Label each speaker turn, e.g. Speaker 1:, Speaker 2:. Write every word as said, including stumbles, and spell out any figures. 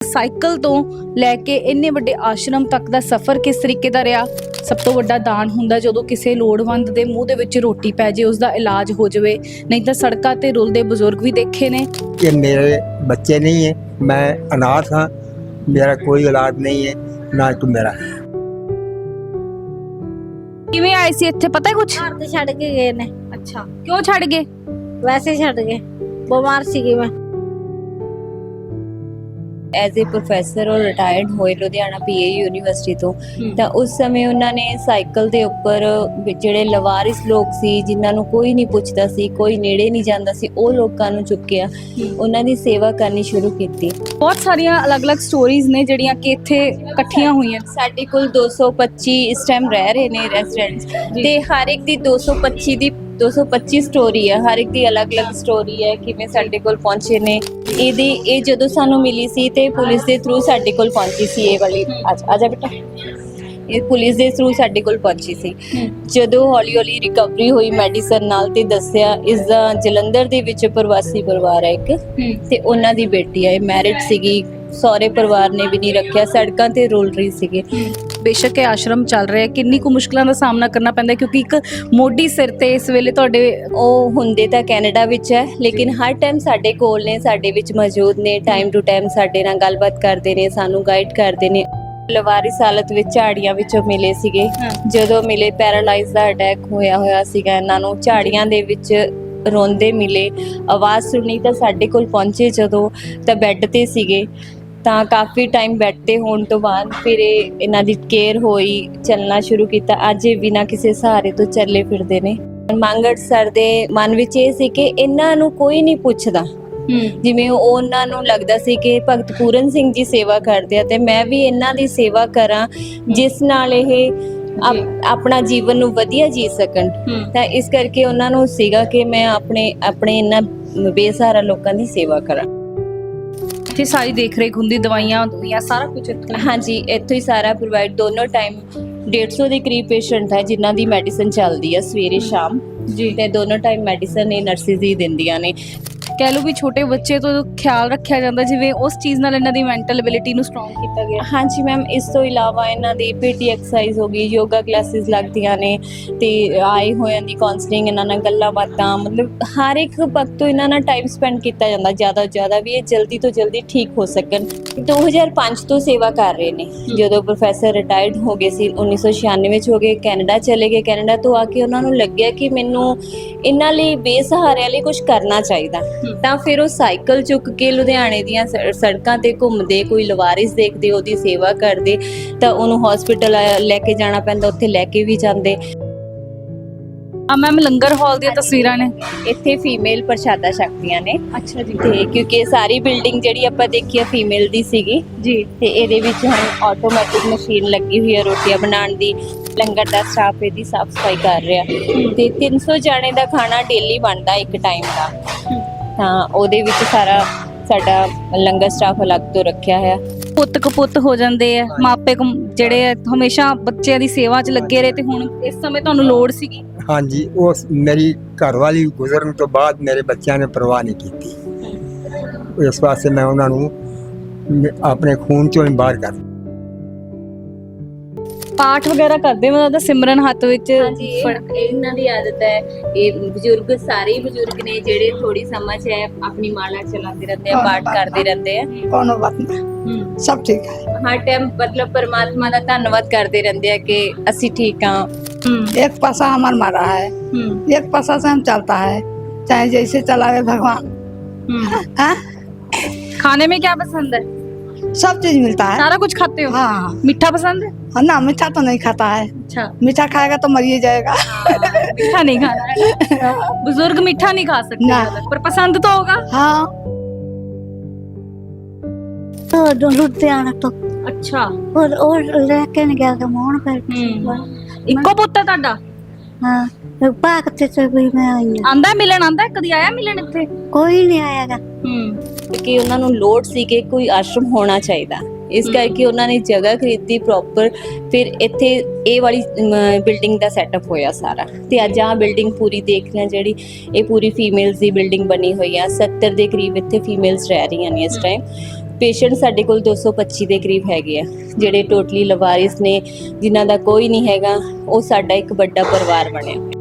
Speaker 1: Cycle ਤੋਂ ਲੈ ਕੇ ਇੰਨੇ ਵੱਡੇ ਆਸ਼ਰਮ ਤੱਕ ਦਾ ਸਫ਼ਰ ਕਿਸ ਤਰੀਕੇ ਦਾ ਰਿਹਾ। ਸਭ ਤੋਂ ਵੱਡਾ ਦਾਨ ਹੁੰਦਾ ਜਦੋਂ ਕਿਸੇ ਲੋੜਵੰਦ ਦੇ ਮੂੰਹ ਦੇ ਵਿੱਚ ਰੋਟੀ ਪੈ ਜੇ, ਉਸ ਦਾ ਇਲਾਜ ਹੋ ਜਾਵੇ। ਨਹੀਂ ਤਾਂ ਸੜਕਾਂ ਤੇ ਰੁਲਦੇ ਬਜ਼ੁਰਗ ਵੀ ਦੇਖੇ ਨੇ।
Speaker 2: ये मेरे बच्चे नहीं है, मैं अनाथ हाँ, मेरा कोई औलाद नहीं है, ना तो मेरा है।
Speaker 1: ਕਿਵੇਂ ਆਏ ਸੀ ਇੱਥੇ, ਪਤਾ ਹੈ ਕੁਝ?
Speaker 3: ਘਰ ਤੇ ਛੱਡ ਕੇ ਗਏ ਨੇ।
Speaker 1: ਅੱਛਾ, ਕਿਉਂ ਛੱਡ ਗਏ?
Speaker 3: ਵੈਸੇ ਹੀ ਛੱਡ ਗਏ, ਬਿਮਾਰ ਸੀਗੀ ਮੈਂ।
Speaker 4: ਐਜ਼ ਏ ਪ੍ਰੋਫੈਸਰ ਉਹ ਰਿਟਾਇਰਡ ਹੋਏ ਲੁਧਿਆਣਾ ਪੀਏ ਯੂਨੀਵਰਸਿਟੀ ਤੋਂ। ਤਾਂ ਉਸ ਸਮੇਂ ਉਹਨਾਂ ਨੇ ਸਾਈਕਲ ਦੇ ਉੱਪਰ ਜਿਹੜੇ ਲਵਾਰਿਸ ਲੋਕ ਸੀ, ਜਿਨ੍ਹਾਂ ਨੂੰ ਕੋਈ ਨਹੀਂ ਪੁੱਛਦਾ ਸੀ, ਕੋਈ ਨੇੜੇ ਨਹੀਂ ਜਾਂਦਾ ਸੀ, ਉਹ ਲੋਕਾਂ ਨੂੰ ਚੁੱਕਿਆ, ਉਹਨਾਂ ਦੀ ਸੇਵਾ ਕਰਨੀ ਸ਼ੁਰੂ ਕੀਤੀ।
Speaker 1: ਬਹੁਤ ਸਾਰੀਆਂ ਅਲੱਗ-ਅਲੱਗ ਸਟੋਰੀਜ਼ ਨੇ ਜਿਹੜੀਆਂ ਕਿ ਇੱਥੇ ਇਕੱਠੀਆਂ ਹੋਈਆਂ।
Speaker 4: ਸਾਡੇ ਕੋਲ ਦੋ ਸੌ ਪੱਚੀ ਇਸ ਟਾਈਮ ਰਹਿ ਰਹੇ ਨੇ ਰੈਜ਼ੀਡੈਂਟਸ, ਤੇ ਹਰ ਇੱਕ ਦੀ ਦੋ ਸੌ ਪੱਚੀ ਦੀ ਦੋ ਸੌ ਪੱਚੀ ਸਟੋਰੀ ਹੈ, ਹਰ ਇੱਕ ਦੀ ਅਲੱਗ-ਅਲੱਗ ਸਟੋਰੀ ਹੈ ਕਿਵੇਂ ਸਾਡੇ ਕੋਲ ਪਹੁੰਚੇ ਨੇ। ਇਹਦੀ ਇਹ ਜਦੋਂ ਸਾਨੂੰ ਮਿਲੀ ਸੀ ਤੇ ਪੁਲਿਸ ਦੇ ਥਰੂ ਸਾਡੇ ਕੋਲ ਪਹੁੰਚੀ ਸੀ। ਇਹ ਵਾਲੀ ਆ ਜਾ ਬੇਟਾ, ਇਹ ਪੁਲਿਸ ਦੇ ਥਰੂ ਸਾਡੇ ਕੋਲ ਪਹੁੰਚੀ ਸੀ। ਜਦੋਂ ਹੌਲੀ ਹੌਲੀ ਰਿਕਵਰੀ ਹੋਈ ਮੈਡੀਸਨ ਨਾਲ ਤੇ ਦੱਸਿਆ ਇਸ ਦਾ ਜਲੰਧਰ ਦੇ ਵਿੱਚ ਪ੍ਰਵਾਸੀ ਪਰਿਵਾਰ ਹੈ ਇੱਕ, ਤੇ ਉਹਨਾਂ ਦੀ ਬੇਟੀ ਹੈ, ਮੈਰਿਡ ਸੀਗੀ, ਸਹੁਰੇ ਪਰਿਵਾਰ ਨੇ ਵੀ ਨਹੀਂ ਰੱਖਿਆ, ਸੜਕਾਂ ਤੇ ਰੁਲ ਰਹੀ ਸੀਗੀ।
Speaker 1: ਬੇਸ਼ੱਕ ਇਹ ਆਸ਼ਰਮ ਚੱਲ ਰਿਹਾ, ਕਿੰਨੀ ਕੁ ਮੁਸ਼ਕਲਾਂ ਦਾ ਸਾਹਮਣਾ ਕਰਨਾ ਪੈਂਦਾ ਕਿਉਂਕਿ ਇੱਕ ਮੋਢੀ ਸਿਰ ਤੇ ਇਸ ਵੇਲੇ ਤੁਹਾਡੇ
Speaker 4: ਉਹ ਹੁੰਦੇ ਤਾਂ ਕੈਨੇਡਾ ਵਿੱਚ ਹੈ, ਲੇਕਿਨ ਹਰ ਟਾਈਮ ਸਾਡੇ ਕੋਲ ਨੇ, ਸਾਡੇ ਵਿੱਚ ਮੌਜੂਦ ਨੇ, ਟਾਈਮ ਟੂ ਟਾਈਮ ਸਾਡੇ ਨਾਲ ਗੱਲਬਾਤ ਕਰਦੇ ਨੇ, ਸਾਨੂੰ ਗਾਈਡ ਕਰਦੇ ਨੇ। ਲਵਾਰਿਸ ਹਾਲਤ ਵਿੱਚ ਝਾੜੀਆਂ ਵਿੱਚੋਂ ਮਿਲੇ ਸੀਗੇ। ਜਦੋਂ ਮਿਲੇ ਪੈਰਾਲਾਈਜ਼ ਦਾ ਅਟੈਕ ਹੋਇਆ ਹੋਇਆ ਸੀਗਾ ਇਹਨਾਂ ਨੂੰ, ਝਾੜੀਆਂ ਦੇ ਵਿੱਚ ਰੋਂਦੇ ਮਿਲੇ, ਆਵਾਜ਼ ਸੁਣੀ ਤਾਂ ਸਾਡੇ ਕੋਲ ਪਹੁੰਚੇ ਜਦੋਂ, ਤਾਂ ਬੈੱਡ ਤੇ ਸੀਗੇ। ਤਾਂ ਕਾਫੀ ਟਾਈਮ ਬੈੱਡ ਤੇ ਹੋਣ ਤੋਂ ਬਾਅਦ ਫਿਰ ਇਹ ਇਹਨਾਂ ਦੀ ਕੇਅਰ ਹੋਈ, ਚੱਲਣਾ ਸ਼ੁਰੂ ਕੀਤਾ। ਅੱਜ ਇਹ ਬਿਨਾਂ ਕਿਸੇ ਸਹਾਰੇ ਤੋਂ ਚੱਲੇ ਫਿਰਦੇ ਨੇ। ਮੰਗੜ ਸਰ ਦੇ ਮਨ ਵਿੱਚ ਇਹ ਸੀ ਕਿ ਇਹਨਾਂ ਨੂੰ ਕੋਈ ਨਹੀਂ ਪੁੱਛਦਾ, ਜਿਵੇਂ ਉਹਨਾਂ ਨੂੰ ਲੱਗਦਾ ਸੀ ਕਿ ਭਗਤ ਪੂਰਨ ਸਿੰਘ ਜੀ ਸੇਵਾ ਕਰਦੇ ਆ ਤੇ ਮੈਂ ਵੀ ਇਹਨਾਂ ਦੀ ਸੇਵਾ ਕਰਾਂ ਜਿਸ ਨਾਲ ਇਹ ਆਪਣਾ ਜੀਵਨ ਨੂੰ ਵਧੀਆ ਜੀ ਸਕਣ। ਤਾਂ ਇਸ ਕਰਕੇ ਉਹਨਾਂ ਨੂੰ ਸੀਗਾ ਕਿ ਮੈਂ ਆਪਣੇ ਆਪਣੇ ਇਹਨਾਂ ਬੇਸਹਾਰਾ ਲੋਕਾਂ ਦੀ ਸੇਵਾ ਕਰਾਂ।
Speaker 1: ਇੱਥੇ ਸਾਰੀ ਦੇਖ ਰੇਖ ਹੁੰਦੀ, ਦਵਾਈਆਂ ਦੁਨੀਆਂ ਸਾਰਾ ਕੁਝ ਇੱਥੇ?
Speaker 4: ਹਾਂਜੀ, ਇੱਥੋਂ ਹੀ ਸਾਰਾ ਪ੍ਰੋਵਾਈਡ। ਦੋਨੋਂ ਟਾਈਮ ਡੇਢ ਸੌ ਦੇ ਕਰੀਬ ਪੇਸ਼ੈਂਟ ਹੈ ਜਿਨ੍ਹਾਂ ਦੀ ਮੈਡੀਸਨ ਚੱਲਦੀ ਹੈ ਸਵੇਰੇ ਸ਼ਾਮ ਜੀ, ਤੇ ਦੋਨੋਂ ਟਾਈਮ ਮੈਡੀਸਨ ਇਹ ਨਰਸਿਸ ਹੀ ਦਿੰਦੀਆਂ ਨੇ।
Speaker 1: ਕਹਿ ਲਓ ਵੀ ਛੋਟੇ ਬੱਚੇ ਤੋਂ ਖਿਆਲ ਰੱਖਿਆ ਜਾਂਦਾ, ਜਿਵੇਂ ਉਸ ਚੀਜ਼ ਨਾਲ ਇਹਨਾਂ ਦੀ ਮੈਂਟਲ ਐਬਿਲਿਟੀ ਨੂੰ ਸਟਰੋਂਗ ਕੀਤਾ ਗਿਆ।
Speaker 4: ਹਾਂਜੀ ਮੈਮ, ਇਸ ਤੋਂ ਇਲਾਵਾ ਇਹਨਾਂ ਦੀ ਪੀਟੀ ਐਕਸਰਸਾਈਜ਼ ਹੋ ਗਈ, ਯੋਗਾ ਕਲਾਸਿਸ ਲੱਗਦੀਆਂ ਨੇ, ਤੇ ਆਏ ਹੋਇਆਂ ਦੀ ਕਾਉਂਸਲਿੰਗ, ਇਹਨਾਂ ਨਾਲ ਗੱਲਾਂ ਬਾਤਾਂ, ਮਤਲਬ ਹਰ ਇੱਕ ਵਕਤ ਤੋਂ ਇਹਨਾਂ ਨਾਲ ਟਾਈਮ ਸਪੈਂਡ ਕੀਤਾ ਜਾਂਦਾ ਜ਼ਿਆਦਾ ਤੋਂ ਜ਼ਿਆਦਾ, ਵੀ ਇਹ ਜਲਦੀ ਤੋਂ ਜਲਦੀ ਠੀਕ ਹੋ ਸਕਣ। ਦੋ ਹਜ਼ਾਰ ਪੰਜ ਤੋਂ ਸੇਵਾ ਕਰ ਰਹੇ ਨੇ। ਜਦੋਂ ਪ੍ਰੋਫੈਸਰ ਰਿਟਾਇਰਡ ਹੋ ਗਏ ਸੀ ਉੱਨੀ ਸੌ ਛਿਆਨਵੇਂ 'ਚ ਹੋ ਗਏ, ਕੈਨੇਡਾ ਚਲੇ ਗਏ। ਕੈਨੇਡਾ ਤੋਂ ਆ ਕੇ ਉਹਨਾਂ ਨੂੰ ਲੱਗਿਆ ਕਿ ਮੈਨੂੰ ਇਹਨਾਂ ਲਈ ਬੇਸਹਾਰਿਆਂ ਲਈ ਕੁਝ ਕਰਨਾ ਚਾਹੀਦਾ। ਤਾਂ ਫਿਰ ਉਹ ਸਾਈਕਲ ਚੁੱਕ ਕੇ ਲੁਧਿਆਣੇ ਦੀਆਂ ਸੜਕਾਂ ਤੇ ਘੁੰਮਦੇ, ਕੋਈ ਲਵਾਰਿਸ ਦੇਖਦੇ, ਉਹਦੀ ਸੇਵਾ ਕਰਦੇ, ਤਾਂ ਉਹਨੂੰ ਹਸਪੀਟਲ ਲੈ ਕੇ ਜਾਣਾ ਪੈਂਦਾ, ਉੱਥੇ ਲੈ ਕੇ ਵੀ ਜਾਂਦੇ।
Speaker 1: ਆ ਮੈਮ ਲੰਗਰ ਹਾਲ ਦੀਆਂ ਤਸਵੀਰਾਂ ਨੇ।
Speaker 4: ਇੱਥੇ ਫੀਮੇਲ ਪ੍ਰਸ਼ਾਦਾ ਛਕਦੀਆਂ ਨੇ।
Speaker 1: ਅੱਛਾ ਜੀ।
Speaker 4: ਤੇ ਕਿਉਂਕਿ ਸਾਰੀ ਬਿਲਡਿੰਗ ਜਿਹੜੀ ਆਪਾਂ ਦੇਖੀ ਆ ਫੀਮੇਲ ਦੀ ਸੀਗੀ
Speaker 1: ਜੀ,
Speaker 4: ਤੇ ਇਹਦੇ ਵਿੱਚ ਹੁਣ ਆਟੋਮੈਟਿਕ ਮਸ਼ੀਨ ਲੱਗੀ ਹੋਈ ਹੈ ਰੋਟੀਆਂ ਬਣਾਉਣ ਦੀ। ਲੰਗਰ ਦਾ ਸਟਾਫ ਇਹਦੀ ਸਾਫ ਸਫਾਈ ਕਰ ਰਿਹਾ, ਤੇ ਤਿੰਨ ਸੌ ਜਾਣੇ ਦਾ ਖਾਣਾ ਡੇਲੀ ਬਣਦਾ ਇੱਕ ਟਾਈਮ ਦਾ। ਤਾਂ ਉਹਦੇ ਵਿੱਚ ਸਾਰਾ ਸਾਡਾ ਲੰਗਰ ਸਟਾਫ ਅਲੱਗ ਤੋਂ ਰੱਖਿਆ ਹੈ।
Speaker 1: ਪੁੱਤ ਕਪੁੱਤ ਹੋ ਜਾਂਦੇ ਆ, ਮਾਪੇ ਜਿਹੜੇ ਆ ਹਮੇਸ਼ਾ ਬੱਚਿਆਂ ਦੀ ਸੇਵਾ 'ਚ ਲੱਗੇ ਰਹੇ, ਤੇ ਹੁਣ ਇਸ ਸਮੇਂ ਤੁਹਾਨੂੰ ਲੋੜ ਸੀਗੀ।
Speaker 2: हाँ जी, वो मेरी घरवाली गुजरन तो बाद मेरे बच्चों ने परवाह नहीं की। इस वास्ते मैं उन्होंने अपने खून चों बाहर कर
Speaker 1: ਪਾਠ ਵਗੈਰਾ ਕਰਦੇ, ਮਤਲਬ ਤਾਂ ਸਿਮਰਨ ਹੱਥ ਵਿੱਚ।
Speaker 4: ਹਾਂਜੀ, ਇਹਨਾਂ ਦੀ ਆਦਤ ਹੈ। ਇਹ ਬਜ਼ੁਰਗ ਸਾਰੇ ਹੀ ਬਜ਼ੁਰਗ ਨੇ ਜਿਹੜੇ ਥੋੜੀ ਸਮਝ ਹੈ, ਆਪਣੀ ਮਾਲਾ ਚਲਾਉਂਦੇ ਰਹਿੰਦੇ ਆ, ਪਾਠ ਕਰਦੇ ਰਹਿੰਦੇ ਆ।
Speaker 5: कोनो बात नहीं, सब ठीक है।
Speaker 4: ਹਰ ਟਾਈਮ ਮਤਲਬ परमात्मा ਦਾ ਧੰਨਵਾਦ ਕਰਦੇ ਰਹਿੰਦੇ ਆ ਕਿ ਅਸੀਂ ਠੀਕ ਹਾਂ।
Speaker 5: एक पासा हमार मारा है, एक पासा से हम चलता है, चाहे जैसे चलावे भगवान। हाँ?
Speaker 1: खाने में क्या पसंद है?
Speaker 5: सब चीज मिलता है।
Speaker 1: सारा कुछ खाते हो?
Speaker 5: हाँ।
Speaker 1: मीठा पसंद है?
Speaker 5: हाँ ना, मीठा तो नहीं खाता है।
Speaker 1: अच्छा,
Speaker 5: मीठा खाएगा तो मरिए जाएगा।
Speaker 1: मीठा नहीं खाना है। बुजुर्ग मीठा नहीं खा सकते
Speaker 5: ना।
Speaker 1: पर पसंद तो होगा।
Speaker 5: हाँ।
Speaker 3: तो लुधियाना तो
Speaker 1: अच्छा,
Speaker 3: और और लेके नहीं गया मोहन पर।
Speaker 1: ਇੱਕੋ ਪੁੱਤ ਹੈ ਤੁਹਾਡਾ?
Speaker 3: हाँ, भाग से से भी मैं आई हूँ।
Speaker 1: ਆਂਦਾ ਮਿਲਣ, ਆਂਦਾ ਕਦੀ ਆਇਆ ਮਿਲਣ ਇੱਥੇ?
Speaker 3: कोई नहीं आएगा।
Speaker 4: ਕਿ ਉਹਨਾਂ ਨੂੰ ਲੋੜ ਸੀ ਕਿ ਕੋਈ ਆਸ਼ਰਮ ਹੋਣਾ ਚਾਹੀਦਾ, ਇਸ ਕਰਕੇ ਉਹਨਾਂ ਨੇ ਜਗ੍ਹਾ ਖਰੀਦੀ ਪ੍ਰੋਪਰ। ਫਿਰ ਇੱਥੇ ਇਹ ਵਾਲੀ ਬਿਲਡਿੰਗ ਦਾ ਸੈਟਅਪ ਹੋਇਆ ਸਾਰਾ, ਤੇ ਅੱਜ ਆਹ ਬਿਲਡਿੰਗ ਪੂਰੀ ਦੇਖ ਰਹੇ ਜਿਹੜੀ, ਇਹ ਪੂਰੀ ਫੀਮੇਲਸ ਦੀ ਬਿਲਡਿੰਗ ਬਣੀ ਹੋਈ ਆ। ਸੱਤਰ ਦੇ ਕਰੀਬ ਇੱਥੇ ਫੀਮੇਲਸ ਰਹਿ ਰਹੀਆਂ ਨੇ ਇਸ ਟਾਈਮ। ਪੇਸ਼ੈਂਟ ਸਾਡੇ ਕੋਲ ਦੋ ਸੌ ਪੱਚੀ ਦੇ ਕਰੀਬ ਹੈਗੇ ਆ, ਜਿਹੜੇ ਟੋਟਲੀ ਲਵਾਰਿਸ ਨੇ, ਜਿਨ੍ਹਾਂ ਦਾ ਕੋਈ ਨਹੀਂ ਹੈਗਾ। ਉਹ ਸਾਡਾ ਇੱਕ ਵੱਡਾ ਪਰਿਵਾਰ ਬਣਿਆ।